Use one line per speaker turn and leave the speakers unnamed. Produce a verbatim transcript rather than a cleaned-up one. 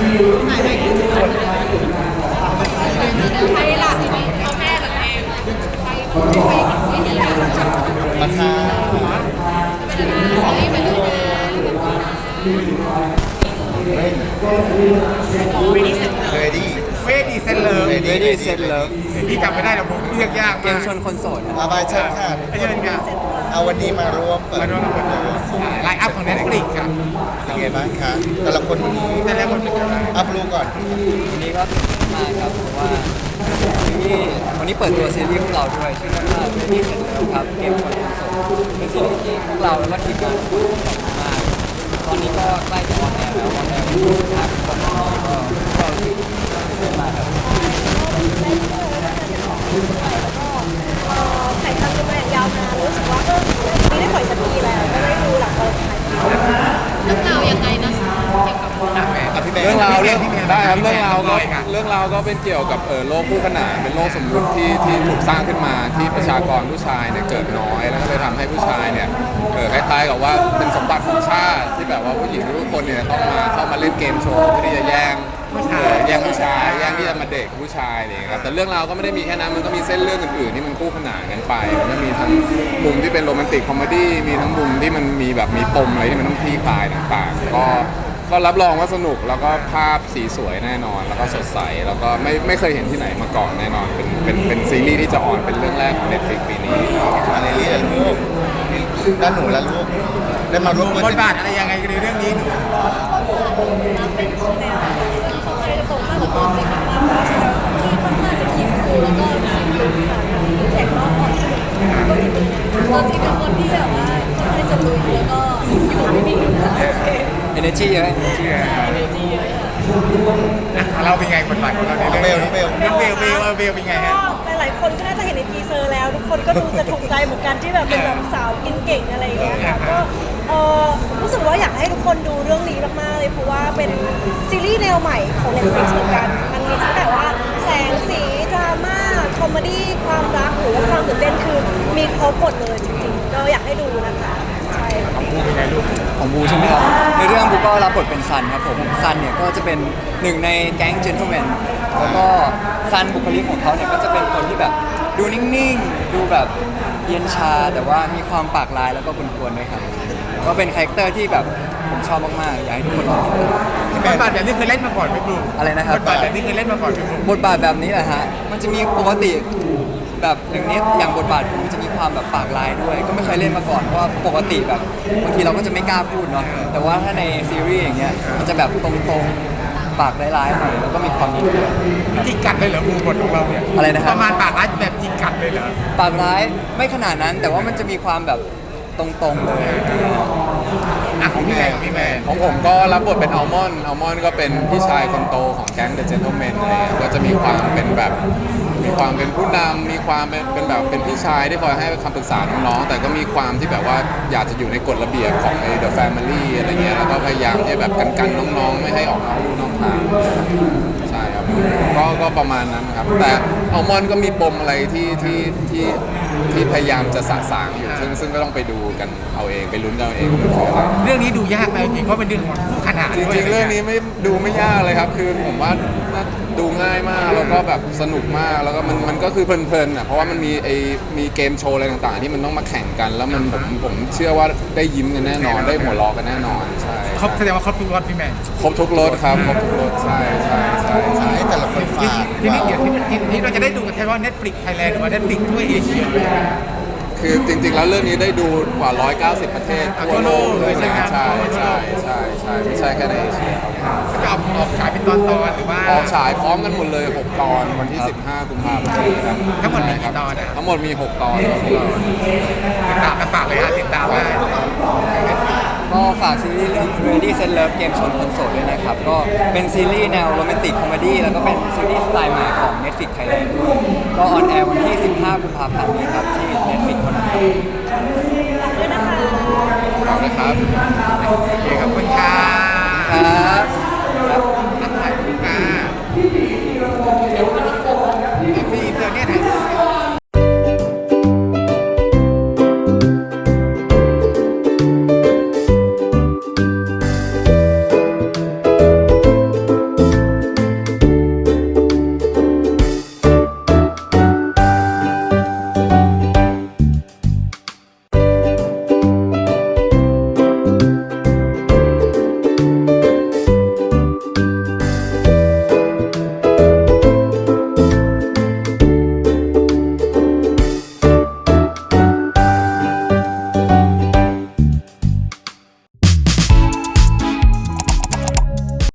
ถ่ายไปที่สุดใครหลักเอาแม่กับเองใครใครไม่ดีอ่ะ
ราคา
ไม่เป็นไร
เรดี้
เวดีเซนเลิฟ
เร
Ready
ดี้
Set Love
พี่จำไม่ได้หรอกผมเรียกยาก
เกมชวนคนโสดครับ
อาบายเชิญค่ะ
ไอ้เชิญค่ะ
เอาวันนี้มาร่วมเปิด
มาร่วมกับไลน์อัพของ Netflix ค่ะ
เป็นไงบ้างคะแต่ละคนวันนี้
แต่แล้วคนเป็นยังไง
อัพรูก่อน
วันนี้ก็ตื่นเต้นมากครับเพราะว่าซีรีส์วันนี้เปิดตัวซีรีส์พวกเราด้วยชื่อเรื่องว่า Ready Set Love ครับเกมชวนคนโสดเป็นซีรีส์ที่พวกเราแล้วก็ทีมงานทุกคนชอบมากตอนนี้ก็ใกล้จะออนแอร์แล้วออนแอร์วันที่สิบห้าคมก็ก็รู้สึกตื่นเต้นมากครับ
ถ่ายทำกันมาอย่างยาวนานรู้สึกว่าเออไม่ได้ปล่อยสักทีแล้วก็ได้ดูหลังตอนถ่ายเรื่องราวยังไงนะคะเกี่ยวกับ
กับพี่แม่
เรื่องราวเรื่อง
พี่แมน
ได้ครับ
พี่แมน
เรื่องราวก็
เลยค่ะ
เรื่องราวก็เป็นเกี่ยวกับเออโลกคู่ขนานเป็นโลกสมมุติที่ที่ถูกสร้างขึ้นมาที่ประชากรผู้ชายเนี่ยเกิดน้อยแล้วก็เลยทำให้ผู้ชายเนี่ยเออคล้ายๆกับว่าเป็นสมบัติของชาติที่แบบว่าผู้หญิงทุกคนเนี่ยต้องมาเข้ามาเล่นเกมโชว์เพื่อที่จะแย่งเออแย่งผู้ชายแย่งที่จะมาเด็กผู้ชายอะไรอย่างเงี้ยครับแต่เรื่องราวก็ไม่ได้มีแค่นั้นมันก็มีเส้นเรื่องอื่นๆที่มันคู่ขนานกันไปมันก็มีทั้งมุมที่เป็นโรแมนติกคอมเมดี้มีทั้งมุมที่มันมีแบบมีปมอะไรที่มันต้องคลี่คลายต่างๆก็ ก็รับรองว่าสนุกแล้วก็ภาพสีสวยแน่นอนแล้วก็สดใสแล้วก็ไม่ไม่เคยเห็นที่ไหนมาก่อนแน่นอนเป็นเป็นเป็นซีรีส์ที่จะออนเป็นเรื่องแรกของ Netflix ปีนี้
มาในเรียนลูกด้านหนูและลูกได้มาร่วม
บทบาทอะไรยังไงในเรื่องนี้หนู
เป็นคนแนวเขาเคยตรงข้ามกับตัวจริงมากที่ค่อนข้างจะคิดคูลแล้วก็แข็งรอบความสนุกตัวจริงเป็นคนที่แบบว่าค่อนข้างจะลุยแล้วก็อยู่ไม่นิ่งโอเค
energy เยอะ
energy เยอะ
เราเป็นไงบทบาทของเราใน
น้องเบ
เรื่
ล
อง
น้องเบล
น้องเบลเบลเบลเป็นไงฮะ
ก็หลายๆคนก็น่าจะเห็นในทีเซอร์แล้วทุกคนก็ดูจะถูกใจเหมือนกันที่แบบเป็นแบบสาวกินเก่งอะไรอย่างเงี้ยค่ะก็เออรู้สึกว่าอยากให้ทุกคนดูเรื่องนี้มากๆเลยเพราะว่าเป็นซีรีส์แนวใหม่ของ Netflix เหมือนกันมันมีตั้งแต่ว่าแสงสีดราม่าคอมเมดี้ความรักหรือว่าความตื่นเต้นคือมีครบหมดเลยจริงๆก็อยากให้ดูนะคะใช่ค่ะ
ของบูใช่ไหมครับในเรื่องบูก็รับบทเป็นซันครับผมซันเนี่ยก็จะเป็นหนึ่งในแก๊งเจน t l e m แมนแล้วก็ซันบุคลิกของเขาเนี่ยก็จะเป็นคนที่แบบดูนิ่งๆดูแบบเย็นชาแต่ว่ามีความปากลายแล้วก็กวนๆด้วยครับก็เป็นคาแรคเตอร์ที่แบบผมชอบมากๆอยากให้ทุกคนลองติดตาม
บทบาทแบบนี้เคยเล่นมาก่อนไหมบลู
อะไรนะครับ
บทบาทแบบนี้เคยเล่นมาก่อนไหมบลู
บทบาทแบบนี้แหละฮะมันจะมีปกติแบบอย่างนี้อย่างบทบาทผมจะมีความแบบปากลายด้วย ก็ไม่เคยเล่นมาก่อนเพราะว่าปกติแบบบางทีเราก็จะไม่กล้าพูดเนาะแต่ว่าถ้าในซีรีส์อย่างเงี้ยมันจะแบบตรงๆปากร้ายๆหน่อยแล้วก็มีความนิ่งด้วย
จิกกัดเลยเหรอบูบทของเราเนี่ย
อะไรนะครับ
ประมาณปากร้ายแบบจิกกัดเลยเหรอ
ปากร้ายไม่ขนาดนั้นแต่ว่ามันจะมีความแบบตรงๆเลย
อ่ะของพี่แมนของพี่แมน
ของผมก็รับบทเป็นอัลมอนด์อัลมอนด์ก็เป็นพี่ชายคนโตของแก๊งเดอะเจน t l e m แมนอะไรเงี้ยก็จะมีความเป็นแบบมีความเป็นผู้นำมีความเป็นเป็นแบบเป็นพี่ชายที่คอยให้คำปรึกษาน้องๆแต่ก็มีความที่แบบว่าอยากจะอยู่ในกฎระเบียบของไอ้ The Family อะไรเงี้ยแล้วก็พยายามที่แบบกันๆน้องๆไม่ให้ออกนอกลู่นอกทางใช่ครับก็ก็ประมาณนั้นครับแต่อัลมอนด์ก็มีปมอะไรที่ที่ที่ที่พยายามจะสะสางอยู่ซึ่งซึ่งก็ต้องไปดูกันเอาเองไปลุ้นกันเอาเองว่ามันคืออะไร
เรื่องนี้ดูยากไหมจริงเพราะเป็นเรื่องของคู่ขนาน
จ
ด้วย
ริงๆ เรื่องนี้ไม่ดูไม่ยากเลยครับ คือผมว่าน่าดูง่ายมากแล้วก็แบบสนุกมากแล้วก็มันมันก็คือเพลินๆอ่ะเพราะว่ามันมีไอมีเกมโชว์อะไรต่างๆ ที่มันต้องมาแข่งกัน แล้วมันผมผมเชื่อว่าได้ยิ้มกันแน่นอนได้หัวเราะกันแน่นอนใช่
ครบแสดงว่าครบทุกรสพี่แมน
ครบทุกรสครับครบทุกรสใช่ใช่ใช่ใช่
ให้แต่ละคนฝาก
ที่นี่เดี๋ยวที่ที่ที่เราจะได้ดูกันเฉพาะ Netflix Thailand หรือว่า Netflix ทั่วเอเชียเลย
คือจริงๆ แล้วเรื่องนี้ได้ดูกว่าหนึ่งร้อยเก้าสิบประเทศทั่วโลกเลยนะใช่ใช่ใช่ใช่ไม่ใช่แค่ในเอเชียครับ
จะออกออกฉายเป็นตอนตอนหรือว่า
ออกฉายพร้อมกันหมดเลยหกตอนวันที่สิบห้ากุมภาพันธ์นี้ครับ
ทั้งหมดมีกี่ตอนอะ
ทั้งหมดมีหกตอนครับ
ติดตามกันฝากเลยอ่ะติดตามได้
ก็ฝากซีรีส์เรื่อง Ready Set Love เกมชวนคนโสดด้วยนะครับ ก็เป็นซีรีส์แนวโรแมนติกคอมเมดี้แล้วก็เป็นซีรีส์สไตล์ใหม่ของ Netflix Thailand ด้วยก็ออนแอร์วันที่สิบห้ากุมภาพันธ์นี้ครับที่ Netflix เท่านั้นครับ